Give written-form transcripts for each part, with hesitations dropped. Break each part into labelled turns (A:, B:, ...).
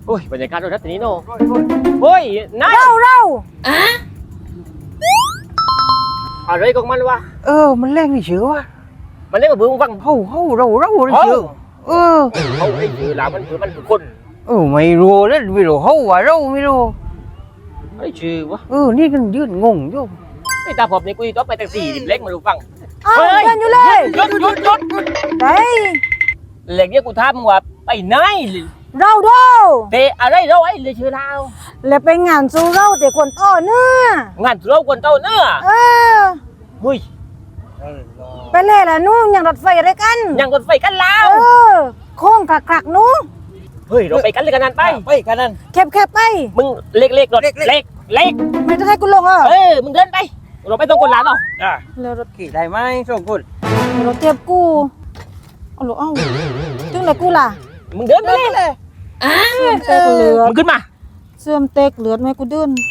A: โอ้ยบรรยากาศรถทัศนี้เนาะโอ้ยนาย
B: เรา
A: อะไรของมันวะ
B: มันแรงนี่เชื่อวะ
A: มันเล่นกับเบื้องฟัง
B: เรานี่เชื่อ
A: เขาไอ้คือหลามันคือคน
B: ไม่รู้แล้วไม่รู้เขาว่าเราไม่รู้
A: ไอ้ชื่อวะ
B: นี่กันยืนงงอยู่
A: ไอ้ตาผมนี่กูต้องไปแท็กซี่เล็กมาดูฟัง
B: เดินอยู่เลย
A: หยุด
B: ไป
A: เล็กเนี่ยกูถามมึงว่าไปไหน
B: เรา
A: เตะอะไรเราไอ้เลยชื่อเรา
B: แล้วไปงานสู้เราแต่คนต่อเนื้
A: องานเราคนเต้าเนื้อเฮ้ย
B: ไปเลยล่ะนู้ยังรถไฟอะไรกัน
A: ยังรถไฟกันแล้ว
B: โค้งคลักนู้
A: เฮ้ยเราไปกันเลยกันนั่นไป
B: กันนั่นแคบไป
A: มึงเล็กรถเล็ก
B: ไม่ต้องให้กูลง
A: มึงเดินไปเราไปตรงคนร้านเนาะ
B: แล้วรถ
A: ขี่ได้ไหมสองคน
B: รถเจ็บกูเอาถึงไหนกูล่ะ
A: มึงเดินไปเลย
B: เต็กเหลือ
A: มึงขึ้นมา
B: เสื่อมเต็กเหลือไหมกูเดิน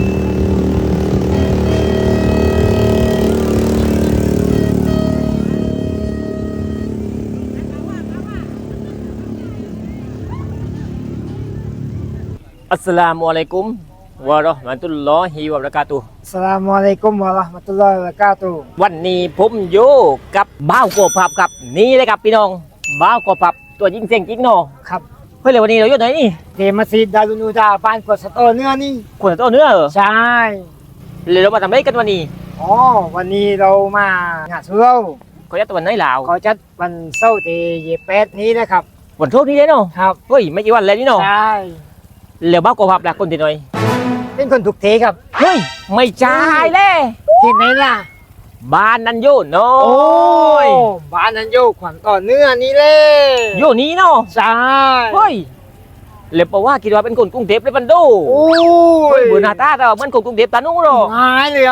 A: อัสสลามุอะลัยกุมวะเราะห์มะตุลลอฮิวะบะเราะกาตุฮ์
B: อัสสลามุอะลัยกุมวะเราะห์มะตุลลอฮิวะบะเราะกาตุฮ์
A: วันนี้ผมอยู่กับบ่าวกบผับครับนี่เลยครับพี่น้องบ่าวกบผับตัวยิงเสียงจริงเนาะ
B: ครับ
A: เฮ้ยเลยวันนี้เราอยู่ไหนนี่
B: เดมัสยิดดารุนูดาบ้านกวดสตอเนื้อนี่
A: ขวดตัวเนื้อเหรอ
B: ใช่
A: เลยเรามาทำอะไรกันวันนี้
B: วันนี้เรามางานสุเหร่า
A: เขาจัดวันไหนลาว
B: เขาจัดวันเสาร์ที่28นี้นะครับ
A: วันโชคนี้เลยเนาะ
B: ครับ
A: เฮ้ยไม่กี่วันแล้วนี่เนาะ
B: ใช่
A: แล้วบ่าวกบผับล่ะคนที่ไหน
B: เป็นคนถูกเทครับ
A: เฮ้ยไม่ใช่เลย
B: ที่ไหนล่ะ
A: บ้านนันโยเนาะ
B: บ้านนันโยขวัญต่อเนื้อนี่เลย
A: โยนี้เนาะ
B: ใช่
A: เฮ้ยเลยบอกว่าคิดว่าเป็นคนกรุงเทพเลยบันโดเบื่อหน้าตาแต่มันคนกรุงเทพตานุ่งหรอ
B: หายเลย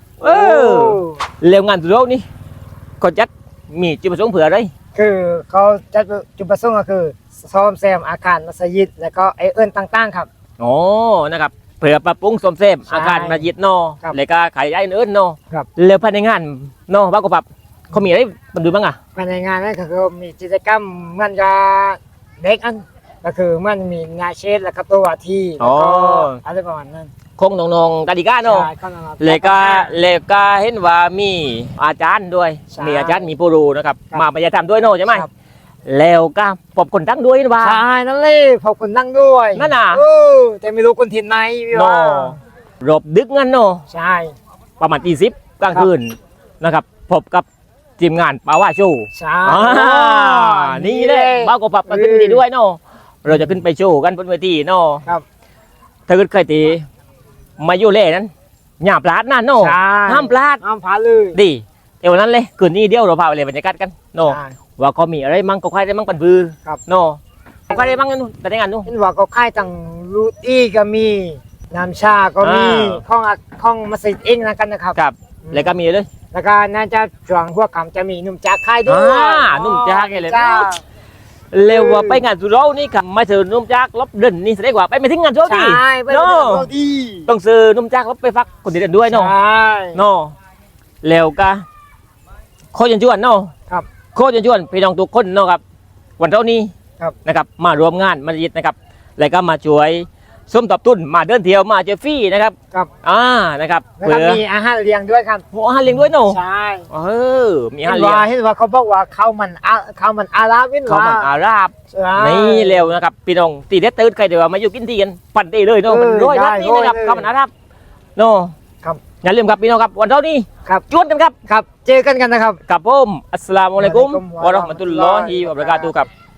A: แล้วงานสุดนี้เขาจัดมีจุดประสงค์เผื่ออะไร
B: คือเขาจัดจุดประสงค์ก็คือซ่อมแซมอาคารมัสยิดแล้วก็ต่างๆครับ
A: นะครับเผื่อปรับปรุงซ่อมแซมอาคารมัสยิดเนาะแล้วก็ขายย้ายอื่นเนาะแล้วภายในงานเนาะบ้านกบผับเขามีอะไรบันดูบ้างอ่ะ
B: ภายในงานนั่นก็คือมีกิจกรรมมันจะเด็กอันก็คือมันมีงานเชดแล้วก็ตัวที่แล้วก็อะไรประมาณนั้น
A: คงน้องๆกาดิกาเนาะแล้วก็เห็นว่ามีอาจารย์ด้วยมีอาจารย์มีผู้รู้นะครับมาปฏิธรรมด้วยเนาะใช่ไหมแล้วก็พบคนตั้งด้วยว่า
B: ใช่นั่นเลยพบคนตั้งด้วย
A: นั่นน่ะ
B: แต่ไม่รู้คนถิ่นไหนพี่
A: ว่ารบดึกงั้นเนาะ
B: ใช่
A: ประมาณตี10กลางคืนนะครับพบกับทีมงานป่าว่าโชว์
B: ใช่
A: นี่เลยบ้าวกบผับมาขึ้นดีด้วยเนาะเราจะขึ้นไปโชว์กันบนเวทีเนาะ
B: ครับ
A: ถ้าเกิดใครตีมาอยู่เล่นั้นอย่าพลาดนะเนาะห้ามพลาด
B: เลย
A: ดีเดี๋ยวนั้นเลยคืนนี้เดียวเราพาไปเลยบรรยากาศกันเนาะว่าเขามีอะไรมั่งก็ใครได้มั่งปันบือเนาะใครได้มั่งกันนู่นแต่ในงานนู่น
B: เห็นว่าเขาค่ายต่างรูตี้ก็มีน้ำชาก็มีข้องมัสยิดเองนะกันนะครับ
A: ครับแล้วก็มีเลย
B: แล้วก็น่าจะช่วงพวกคำจะมีนุ่มจากค่ายด้วย
A: นุ่มจากเลยเร็วว่าไปงานสุโรนี่ครับไม่ซื้อนุ่มจากลบเดินนี่แสดงว่าไปไม่ถึงงานโชว์ดี
B: เนาะ
A: ต้องซื้อนุ่มจากลบไปฟักคนเดินด้วยเนาะเนาะเร็วก็โคจรชวนเนาะ
B: ครับ
A: โคจรชวนพี่น้องทุกคนเนาะครับวันเท่านี้นะครับมารวมงานมัสยิดนะครับแล้วก็มาช่วยส้มตอบตุ้นมาเดินเที่ยวมาเจอฟรี่นะครับนะครับ
B: เพื่อมีอาหารเลี้ยงด้วยครับ
A: อาหารเลี้ยงด้วยเนาะ
B: ใช่
A: มีอาหารเลี้ยง
B: เห็นว่าเขาบอกว่าข้าวมันอาราบ
A: ข้าวมันอาราบนี่เร็วนะครับพี่น้องตีเด็ดตื่นใครเดี๋ยวมาอยู่กินทีกันปั่นได้เลยเนาะมันร้อยนัดนี่นะครับข้าวมันอาราบเนาะ
B: ครับ
A: อย่าลืมครับพี่น้องครับวันเท่านี้จวนกันครับ
B: เจอกันนะครับ
A: กับผมอัสสลามุอะลัยกุมวะเราะห์มะตุลลอฮิวะบะเราะกาตุฮ์ครับ